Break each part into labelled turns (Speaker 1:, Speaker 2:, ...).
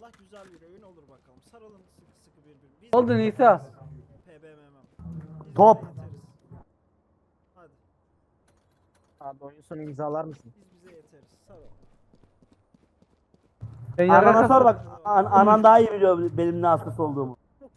Speaker 1: Allah güzel bir oyun olur bakalım. Sarılın sıkı sıkı birbirine. Biz
Speaker 2: Oldu Nisa.
Speaker 1: PBMM. Biz
Speaker 3: Top.
Speaker 1: bize yeteriz. Hadi.
Speaker 3: Abi oyun sonu imzalar mısın?
Speaker 1: Biz bize yeteriz. Sarıl.
Speaker 2: Ben
Speaker 3: Anana
Speaker 2: yaraka
Speaker 3: sor bak. Anan daha iyi biliyor benim ne hastası olduğumu.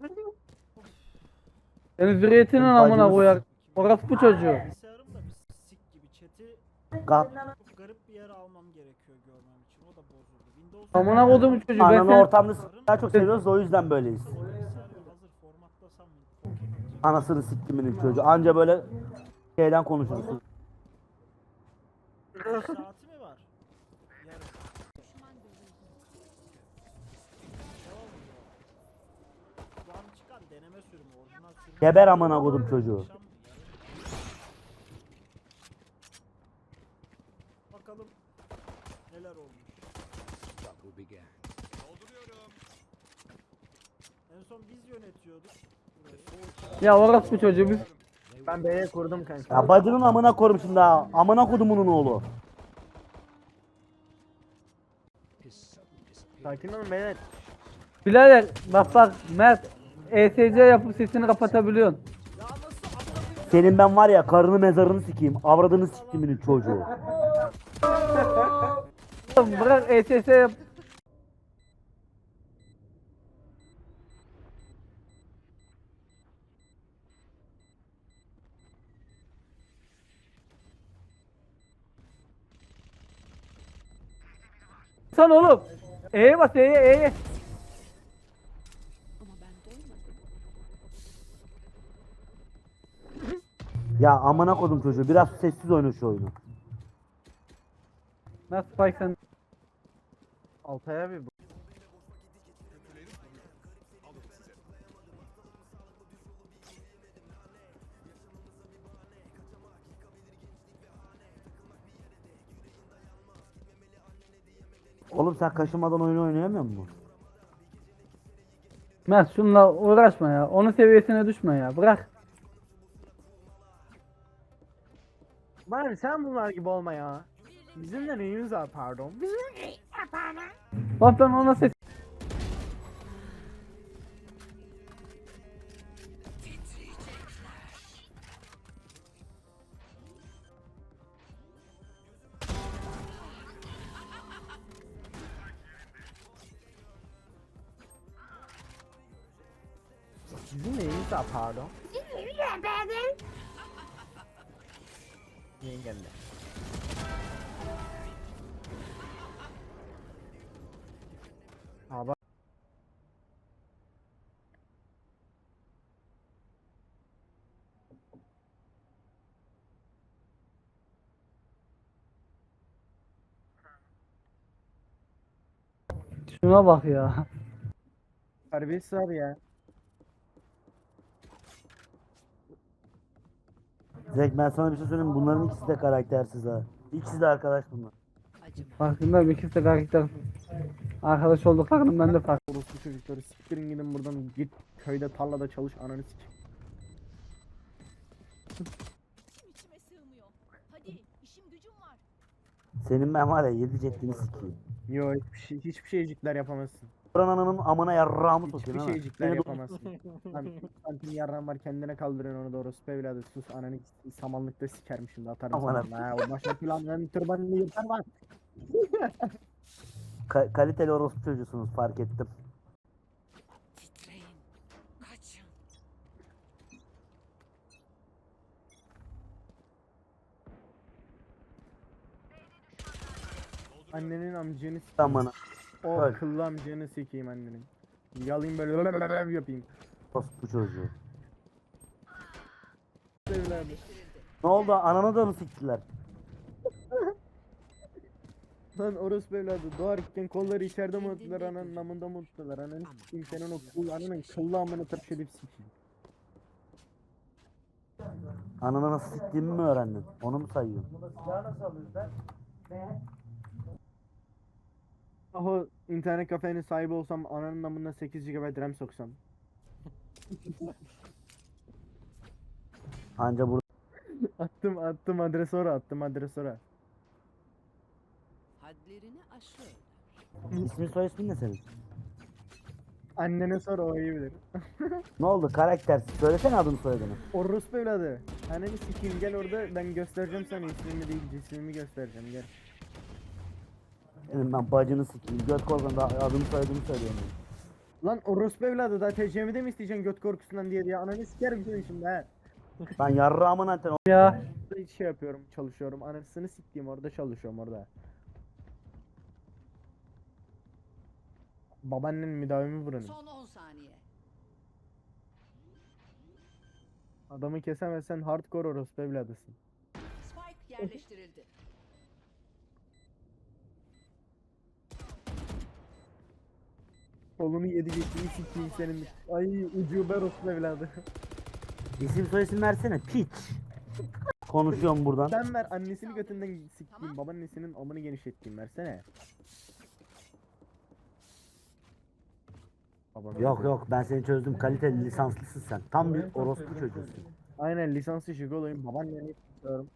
Speaker 2: senin zürriyetinin amına
Speaker 3: Bacımız-
Speaker 2: koyar. Orospu çocuğu.
Speaker 1: Bilgisayarım da bir sik gibi chat'i
Speaker 3: Kap.
Speaker 1: çok garip bir yere almam gerekiyor görmem için. O da bozuldu. Windows
Speaker 2: Amına koydum çocuğu. Ben
Speaker 3: Ananı
Speaker 2: seni
Speaker 3: ortamda daha çok seviyoruz o yüzden böyleyiz.
Speaker 1: bilgisayarı hazır formatlasam mı?
Speaker 3: Anasını siktiminin çocuğu. Anca böyle şeyden konuşursun.
Speaker 1: Saati mi var? Yarın. Şu an çıkan deneme sürümü, orijinal sürümü.
Speaker 3: Geber amına kodum çocuğu.
Speaker 1: Akşam mı? Yarın. Bakalım neler olmuş. En son biz yönetiyorduk. burayı.
Speaker 2: ya orospu çocuğu biz.
Speaker 3: Ben B'ye kurdum kanka. Ya bacının amına korum şimdi ha. Amına kodumunun oğlu. Sakin olun beyler.
Speaker 2: Birader bak Mert ESC yapıp sesini kapatabiliyorsun.
Speaker 1: Ya nasıl amına
Speaker 3: Senin ben var ya karını mezarını sikeyim. Avradını siktiminin çocuğu.
Speaker 2: Oğlum bırak ESC yap. Sen oğlum. E'ye bas E'ye.
Speaker 3: Ya amına kodum çocuğu. Biraz sessiz oyna şu oyunu.
Speaker 2: Nasıl Spike sen?
Speaker 3: Altaya bir Oğlum sen kaşınmadan oyun oynayamıyor musun?
Speaker 2: Mert şunla uğraşma ya. Onun seviyesine düşme ya. Bırak.
Speaker 3: Bari sen bunlar gibi olma ya. Bizim de neyimiz var pardon. Bizim
Speaker 2: Bak ben ona ses.
Speaker 3: Bizim neyimiz var pardon. Yengemle. Abi
Speaker 2: Şuna bak ya.
Speaker 3: terbiyesiz abi ya. Zek ben sana bir şey söyleyeyim mi? Bunların ikisi de karaktersiz ha. İkisi de arkadaş bunlar.
Speaker 2: Farkında bir ikisi de karakter. Arkadaş olduklarının ben de fark.
Speaker 3: Orospu çocukları siktirin gidin buradan git köyde tarlada çalış ananı sik.
Speaker 4: İçime sığmıyor. Hadi işim gücüm var.
Speaker 3: Senin ben var ya yedi ceddini sikeyim. Yo hiçbir şeycikler yapamazsın. Buranın ananın amına yarrağımı sokayım
Speaker 5: Hiçbir
Speaker 3: ha.
Speaker 5: şeycikler
Speaker 3: Seni
Speaker 5: yapamazsın.
Speaker 3: Lan santim yarrağın var kendine kaldırıyorsun onu doğru evladı sus ananı samanlıkta sikerim şimdi atarım Aman
Speaker 5: Ha,
Speaker 3: ha.
Speaker 5: o başka planların tırbanını yırtar var.
Speaker 3: Kaliteli orospu çocuğusunuz fark ettim.
Speaker 4: Titreyin. Kaçın.
Speaker 5: Annenin amcanı sikeyim.
Speaker 3: Tamam
Speaker 5: O
Speaker 3: Öl.
Speaker 5: kıllı amcanı sikeyim annenin. Yalayım böyle yapayım.
Speaker 3: orospu çocuğu.
Speaker 5: Evladı.
Speaker 3: Ne oldu ananı da mı siktiler?
Speaker 5: Lan orospu evladı doğarken kolları içeride mi unuttular ananın namında mı unuttular ananı sikeyim senin o kul ananın kıllı amını tırp edip sikeyim.
Speaker 3: Ananı nasıl siktiğimi mi öğrendin? Onu mu sayıyorsun?
Speaker 5: Ah o internet kafenin sahibi olsam ananın namına 8 GB RAM soksam.
Speaker 3: Anca burada
Speaker 5: Attım adres ora attım adres ora.
Speaker 4: Hadlerini aşıyor.
Speaker 3: ismin soy ismin ne senin?
Speaker 5: Annene sor, o iyi bilir.
Speaker 3: Ne oldu karakter? Söylesene adını soyadını.
Speaker 5: Orospu evladı. Anneni sikeyim, gel orada, ben göstereceğim sana ismimi değil cismimi göstereceğim, gel.
Speaker 3: Dedim ben bacını sikeyim. Göt korkundan da adını soyadını söyleyemiyorum.
Speaker 5: Lan orospu evladı, daha TC'mi de mi isteyeceksin göt korkusundan diye ananı sikerim seni şimdi ha.
Speaker 3: Ben yarrağımın anteni.
Speaker 2: Ya
Speaker 5: Hiç şey yapıyorum, çalışıyorum, anasını siktiğim orada çalışıyorum orada. Babaannen müdavimi buranın.
Speaker 4: Son 10 saniye.
Speaker 5: Adamı kesemezsen hardcore orospu evladısın.
Speaker 4: Spike yerleştirildi.
Speaker 5: Kolunu yedi geçtiğini sikeyim senin. Ay ucube orospu evladı.
Speaker 3: İsim soyisim versene piç. Konuşuyorum buradan.
Speaker 5: Sen ver, annesini götünden sikeyim, babaannesinin amını genişlettiğim, versene. Babanı
Speaker 3: Yok
Speaker 5: götür.
Speaker 3: yok ben seni çözdüm. Kaliteli lisanslısın sen. Tam bir orospu çocuğusun.
Speaker 5: Aynen lisanslı şigolayım, babaanneni istiyorum.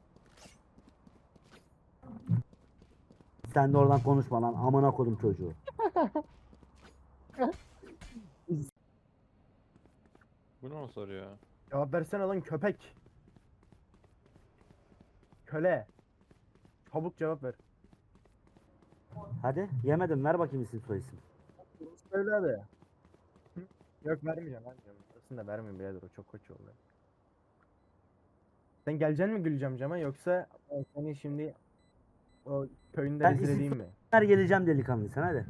Speaker 3: Sen de oradan konuşma lan. Amına kodum çocuğu.
Speaker 6: Bu ne o soru ya?
Speaker 5: Cevap versene lan köpek. Köle. Çabuk cevap ver.
Speaker 3: Hadi yemedim ver bakayım isim soyisim.
Speaker 5: Evladı. Yok vermeyeceğim. Aslında vermeyeyim birader, o çok koç oldu. Sen geleceksin mi Gülcem cama, yoksa seni şimdi o köyünde
Speaker 3: Ben
Speaker 5: rezil
Speaker 3: isim
Speaker 5: edeyim mi?
Speaker 3: Ver geleceğim delikanlıysan hadi.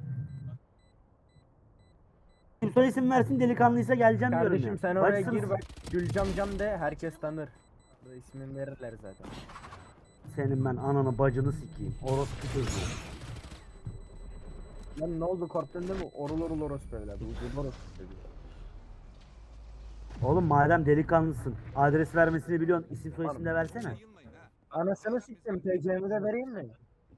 Speaker 3: İsim soyisim versin delikanlıysa geleceğim diyorum
Speaker 5: Kardeşim
Speaker 3: ya.
Speaker 5: sen oraya
Speaker 3: Bacısınız
Speaker 5: gir bak, Gülcem cam de, herkes tanır. Burada ismini verirler zaten.
Speaker 3: Senin ben ananı bacını sikeyim. Orospu çocuğu.
Speaker 5: Lan ne oldu, korktun değil mi? Orul orul orospu evladı. Ucub orospu çocuğu.
Speaker 3: Oğlum madem delikanlısın. Adres vermesini biliyorsun. İsim soyisim de versene.
Speaker 5: Anasını siktim, TC'mi de vereyim mi?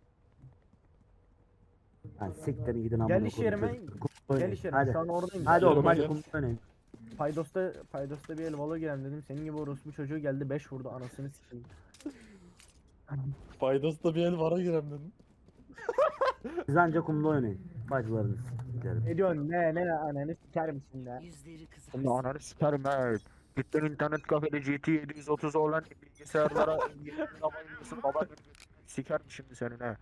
Speaker 3: Lan siktirin gidin amına
Speaker 5: Gel
Speaker 3: kodum
Speaker 5: iş yerime,
Speaker 3: çocuk. Kum
Speaker 5: gel
Speaker 3: oynayın.
Speaker 5: iş yerime.
Speaker 3: Hadi.
Speaker 5: Şu an oradayım.
Speaker 3: Hadi oğlum hadi
Speaker 6: Yerime
Speaker 3: kum oynayın.
Speaker 5: Paydos'ta bir el valo girelim dedim. Senin gibi orospu çocuğu geldi 5 vurdu, anasını sikeyim.
Speaker 6: Faydası da bir el vara girem dedim.
Speaker 3: Siz anca kumda oynayın. Bacılarınız siktiklerim.
Speaker 5: Ne diyorsun, ne ananı sikerim şimdi ha.
Speaker 4: Yüzleri kızar.
Speaker 5: Şimdi ananı sikerim ha. Gittin internet kafede GT 730 olan bilgisayarlara yapıyorsun, baba sikerim şimdi senin ha.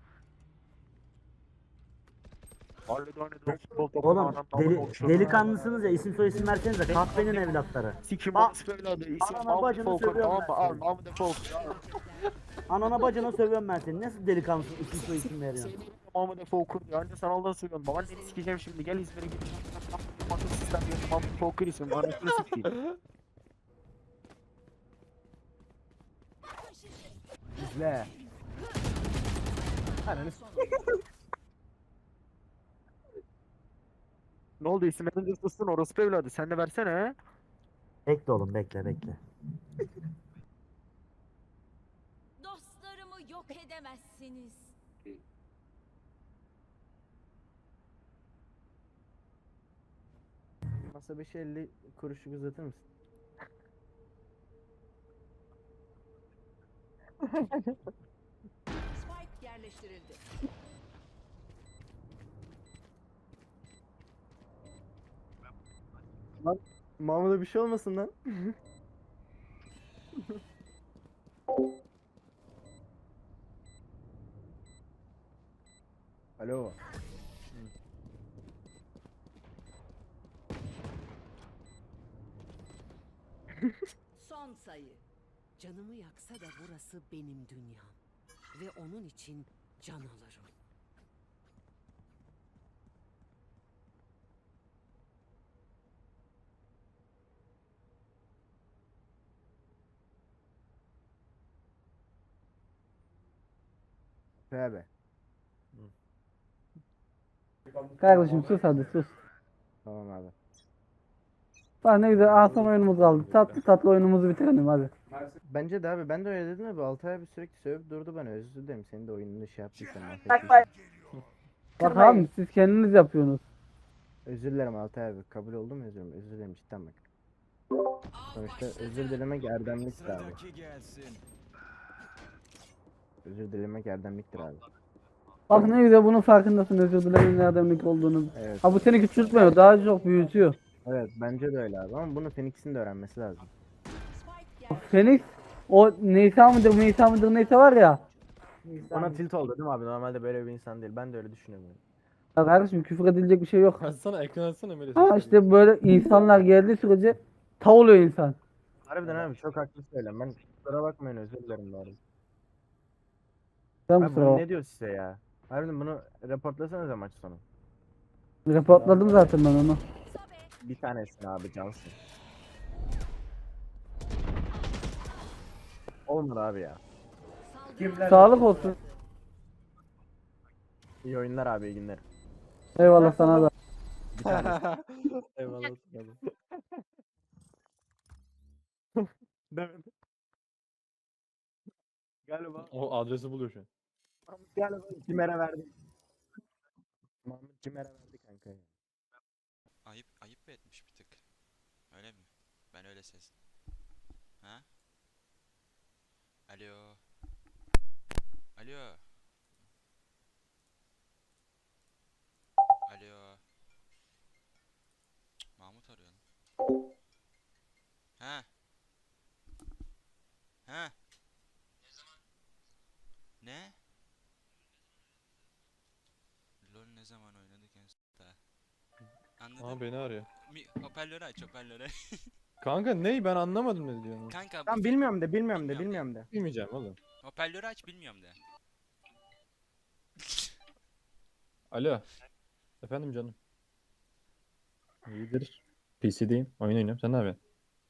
Speaker 5: Mahallede oynadığı futbol topunu
Speaker 3: Oğlum
Speaker 5: anam namına uçurdu.
Speaker 3: delikanlısınız ya isim soyisim versenize kahvenin evlatları.
Speaker 5: Sikim
Speaker 3: Bak,
Speaker 5: orospu evladı. İsim
Speaker 3: anana
Speaker 5: Mahmut
Speaker 3: bacını
Speaker 5: Falcon,
Speaker 3: sövüyorum
Speaker 5: tamam mı?
Speaker 3: ben
Speaker 5: Al Mahmut Falcon.
Speaker 3: Anana bacına sövüyorum ben seni. Nasıl delikanlısın isim soyisim veriyorsun?
Speaker 5: Mahmut Falcon diyor. Anca sen Allah'ı seviyorsun. Babaanneni sikeceğim şimdi. Gel İzmir'e gideceğim. Mahmut sistem diyor. Mahmut Falcon isim. Anasını sikeyim. İzle. Ananı Ne oldu, isim edince sussun orospu evladı. Sen de versene ha.
Speaker 3: Bekle oğlum bekle.
Speaker 4: Dostlarımı yok edemezsiniz.
Speaker 5: Masa 550 kuruşu uzatır mısın?
Speaker 4: Spike yerleştirildi.
Speaker 5: Mahmut'a bir şey olmasın lan. Alo.
Speaker 7: Son sayı. Canımı yaksa da burası benim dünyam. Ve onun için can alırım.
Speaker 5: Abi.
Speaker 2: kardeşim sus hadi sus.
Speaker 5: Tamam abi.
Speaker 2: Bak ne güzel son oyunumuz kaldı. Tatlı tatlı oyunumuzu bitirelim hadi.
Speaker 5: Bence de abi, ben de öyle dedim abi. Altay abi sürekli sövüp durdu bana. Özür dilerim, senin de oyununu şey yaptıysam.
Speaker 2: Bak abi siz kendiniz yapıyorsunuz.
Speaker 5: Özür dilerim Altay abi. Kabul oldu mu özürüm? Özür dilerim cidden bak. Sonuçta özür dilemek erdemliktir abi. Özür dilemek erdemliktir abi.
Speaker 2: Bak ne güzel bunun farkındasın, özür dilerim nereden ne olduğunu.
Speaker 3: Evet.
Speaker 2: Ha bu seni küçültmüyor, daha çok büyütüyor.
Speaker 3: Evet bence de öyle abi ama bunu Phoenix'in de öğrenmesi lazım.
Speaker 4: Spike geldi.
Speaker 2: Phoenix o Nisa mıdır neyse var ya.
Speaker 3: Ona tilt oldu değil mi abi? Normalde böyle bir insan değil. Ben de öyle düşünüyorum.
Speaker 2: Ya kardeşim küfür edilecek bir şey yok.
Speaker 6: Açsana ekran açsana Melih.
Speaker 2: Ha işte böyle insanlar geldiği sürece tav oluyor insan.
Speaker 3: Harbiden abi çok haklı söylem. Ben kusura bakmayın özür dilerim bari.
Speaker 2: Ben
Speaker 3: Abi
Speaker 2: kusura
Speaker 3: bunu
Speaker 2: bak.
Speaker 3: ne diyor size ya? Harbiden bunu reportlasanıza maç sonu.
Speaker 2: Reportladım zaten ben onu.
Speaker 4: Sobe.
Speaker 3: Bir tanesini abi cansın. Olmadı abi ya.
Speaker 7: Saldırı
Speaker 2: Sağlık olsun.
Speaker 3: İyi oyunlar abi iyi günler.
Speaker 2: Eyvallah sana da.
Speaker 3: Bir tanesi.
Speaker 6: Eyvallah.
Speaker 3: Demedim. Galiba.
Speaker 6: O adresi buluyor şu an.
Speaker 3: Galiba Cimer'e verdi. Mahmut Cimer'e verdi kanka.
Speaker 8: Ayıp mı etmiş bir tık? Öyle mi? Ben öyle sezdim. Ha? Alo. Alo. Alo. Mahmut arıyor lan. Ha? Ha? Ne? LoL ne zaman oynadık en son? Anladın
Speaker 6: Aa
Speaker 8: mı?
Speaker 6: beni arıyor.
Speaker 8: Hoparlörü aç hoparlörü.
Speaker 6: Kanka ney ben anlamadım ne diyorsun.
Speaker 8: Kanka
Speaker 3: Tamam bilmiyorum de bilmiyorum de.
Speaker 6: Bilmeyeceğim oğlum.
Speaker 8: hoparlörü aç bilmiyorum de.
Speaker 6: Alo. Efendim canım. İyidir. PC'deyim. Oyun oynuyorum. Sen ne yapıyorsun?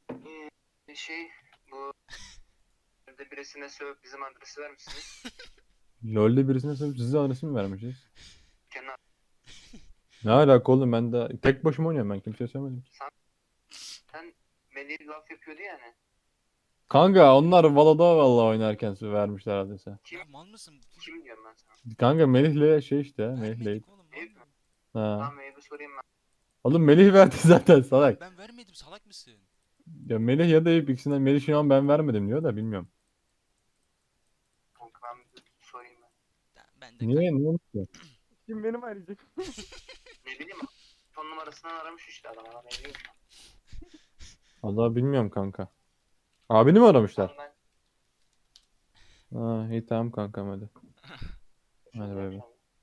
Speaker 9: Bu evde birisine sövüp bizim adresi vermişsiniz.
Speaker 6: LoL'de birisine sorup size adresi mi vermişiz?
Speaker 9: Kenan
Speaker 6: Ne alaka oğlum ben de tek başıma oynuyorum ben kimseye söylemedim.
Speaker 9: sen Melih laf yapıyordu yani.
Speaker 6: Kanka onlar Valo'da vallahi oynarken vermişler adresi.
Speaker 8: Ya mal mısın?
Speaker 9: Kim diyorum ben sana?
Speaker 6: Kanka Melih'le şey işte Melih'le.
Speaker 8: Vermedik oğlum.
Speaker 9: Eyüp mü?
Speaker 6: Ha.
Speaker 9: Tamam Eyüp'ü sorayım ben.
Speaker 6: Oğlum Melih verdi zaten salak.
Speaker 8: Ben vermedim salak mısın?
Speaker 6: Ya Melih ya da Eyüp ikisinden Melih şu an ben vermedim diyor da bilmiyorum.
Speaker 9: Kanka ben bir sorayım ben.
Speaker 8: Ben de
Speaker 6: Niye? Niye? Niye?
Speaker 3: Kim benim arayacak?
Speaker 9: Ne bileyim son numarasından aramış işte adam ama ne bileyim.
Speaker 6: Allah bilmiyorum kanka. Abini mi aramışlar?
Speaker 9: Tamam
Speaker 6: Ha iyi tamam kankam hadi.
Speaker 9: ben
Speaker 6: Hadi bay bay.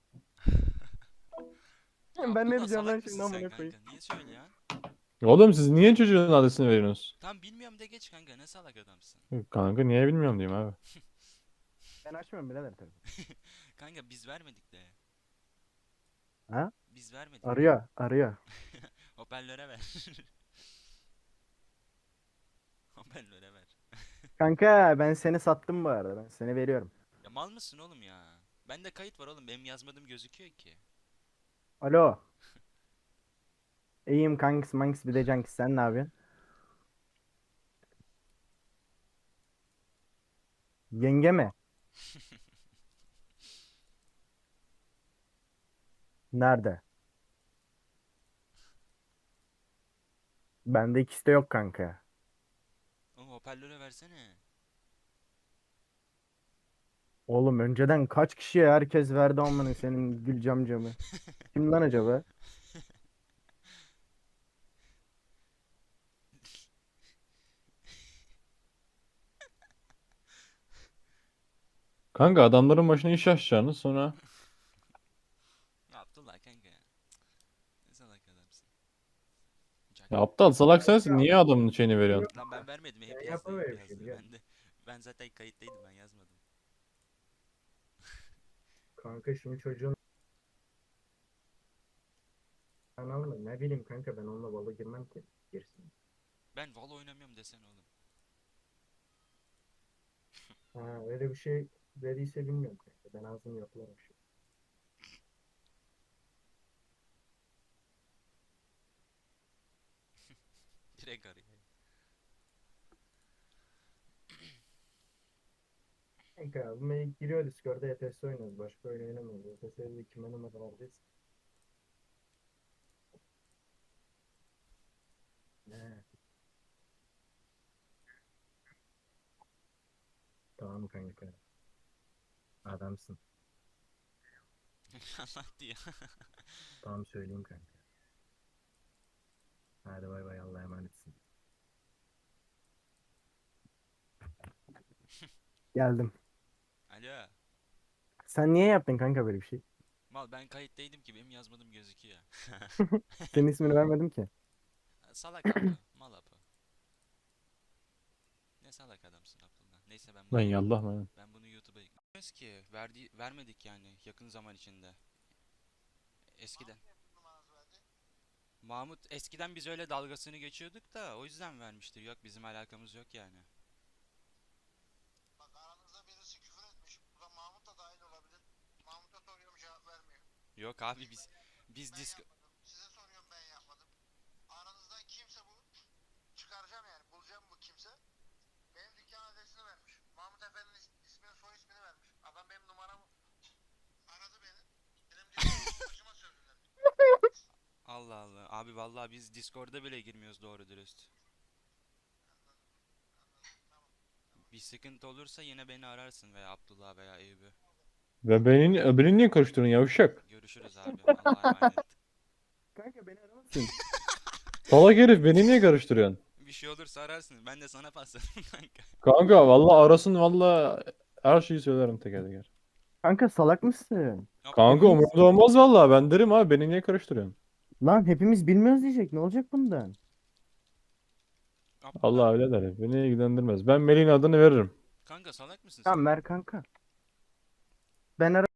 Speaker 8: Ya
Speaker 3: Ben ne
Speaker 8: Abdullah,
Speaker 3: diyeceğim lan
Speaker 8: salak
Speaker 3: şimdi
Speaker 8: mısın
Speaker 3: amına
Speaker 8: sen
Speaker 3: koyayım?
Speaker 8: kanka? Niye söylüyorsun?
Speaker 6: Oğlum siz niye çocuğun adresini veriyorsunuz?
Speaker 8: Tam bilmiyorum de geç kanka ne salak adamsın.
Speaker 6: Kanka niye bilmiyorum diyeyim abi.
Speaker 3: Ben açmıyorum birader telefonu.
Speaker 8: Kanka biz vermedik de.
Speaker 3: Ha?
Speaker 8: Biz vermedik.
Speaker 3: Arıyor.
Speaker 8: Hoparlöre ver. Hoparlöre ver.
Speaker 3: Kanka ben seni sattım bu arada. Ben seni veriyorum.
Speaker 8: Ya mal mısın oğlum ya? Bende kayıt var oğlum benim yazmadığım gözüküyor ki.
Speaker 3: Alo. İyiyim kankis mankis bir de cankis sen ne yapıyorsun? Yenge mi? Nerede? Bende ikisi de yok kanka.
Speaker 8: Oğlum hoparlöre versene.
Speaker 3: Oğlum önceden kaç kişiye herkes verdi amına senin gül camcamı. Kim lan acaba?
Speaker 6: Kanka adamların başına iş açacaksınız sonra.
Speaker 8: Ya Abdullah kanka. Ne salak adamsın.
Speaker 6: Ya aptal salak sensin niye adamın şeyini veriyorsun?
Speaker 8: Lan ben vermedim hep
Speaker 3: Ben
Speaker 8: yazdı
Speaker 3: yapamıyorum
Speaker 8: hep
Speaker 3: bir şey,
Speaker 8: yazdı.
Speaker 3: biliyor
Speaker 8: Ben zaten kayıttaydım ben yazmadım.
Speaker 3: Kanka şimdi çocuğun kanal mı? Ne bileyim kanka ben onunla balı girmem ki. Girsin.
Speaker 8: Ben Valo oynamıyorum desene oğlum.
Speaker 3: Ha öyle bir şey dediyse bilmiyorum kanka. Ben ağzını yapıyorum şu.
Speaker 8: Direkt arıyor.
Speaker 3: Kanka bu mail giriyor Discord'da ETS oynuyoruz. Başka oyun oynamıyoruz. ETS'de kime numaralardayız? Ne? Tamam kanka. Adamsın.
Speaker 8: Anlat diyor.
Speaker 3: Tamam söyleyeyim kanka. Hadi bay bay, Allah'a emanetsin. Geldim.
Speaker 8: Alo.
Speaker 3: Sen niye yaptın kanka böyle bir şey?
Speaker 8: Mal ben kayıttaydım ki benim yazmadığım gözüküyor.
Speaker 3: Senin ismini vermedim ki.
Speaker 8: Salak Apo. Mal Apo. Ne salak adamsın Abdullah. Neyse
Speaker 6: Lan
Speaker 8: bunu
Speaker 6: yallah lan.
Speaker 8: ben bunu YouTube'a yüklüyoruz ki vermedik yani yakın zaman içinde. Eskiden. Mahmut eskiden biz öyle dalgasını geçiyorduk da o yüzden vermiştir. Yok bizim alakamız yok yani.
Speaker 9: Bak aranızda birisi küfür etmiş. Bu da Mahmut da dahil olabilir. Mahmut'a soruyorum cevap vermiyor.
Speaker 8: Yok abi biz
Speaker 9: Ben
Speaker 8: disk
Speaker 9: yapmadım. Size soruyorum ben yapmadım. Aranızdan kimse bu çıkaracağım yani. Bulacağım bu kimse. Benim dükkan adresini vermiş. Mahmut Efendi'nin ismini soy ismini vermiş. Adam benim numaramı aradı beni. Benim diyor başıma sövdüler.
Speaker 8: Allah Allah. Abi vallahi biz Discord'a bile girmiyoruz doğru dürüst. Bir sıkıntı olursa yine beni ararsın veya Abdullah veya Eyüp'ü.
Speaker 6: Ve beni niye karıştırdın yavşak?
Speaker 8: Görüşürüz abi. Allah'a emanet.
Speaker 3: Kanka beni aramasın.
Speaker 6: Salak herif beni niye karıştırıyorsun?
Speaker 8: Bir şey olursa ararsın. Ben de sana paslarım kanka.
Speaker 6: Kanka valla arasın valla her şeyi söylerim teker teker.
Speaker 3: Kanka salak mısın?
Speaker 6: Kanka umurumda olmaz valla ben derim abi beni niye karıştırıyorsun?
Speaker 3: Lan hepimiz bilmiyoruz diyecek. Ne olacak bundan?
Speaker 8: Abdullah,
Speaker 6: Allah öyle der. Beni ilgilendirmez. Ben Melih'in adını veririm.
Speaker 8: kanka salak mısın sen?
Speaker 3: Tamam ver kanka. Ben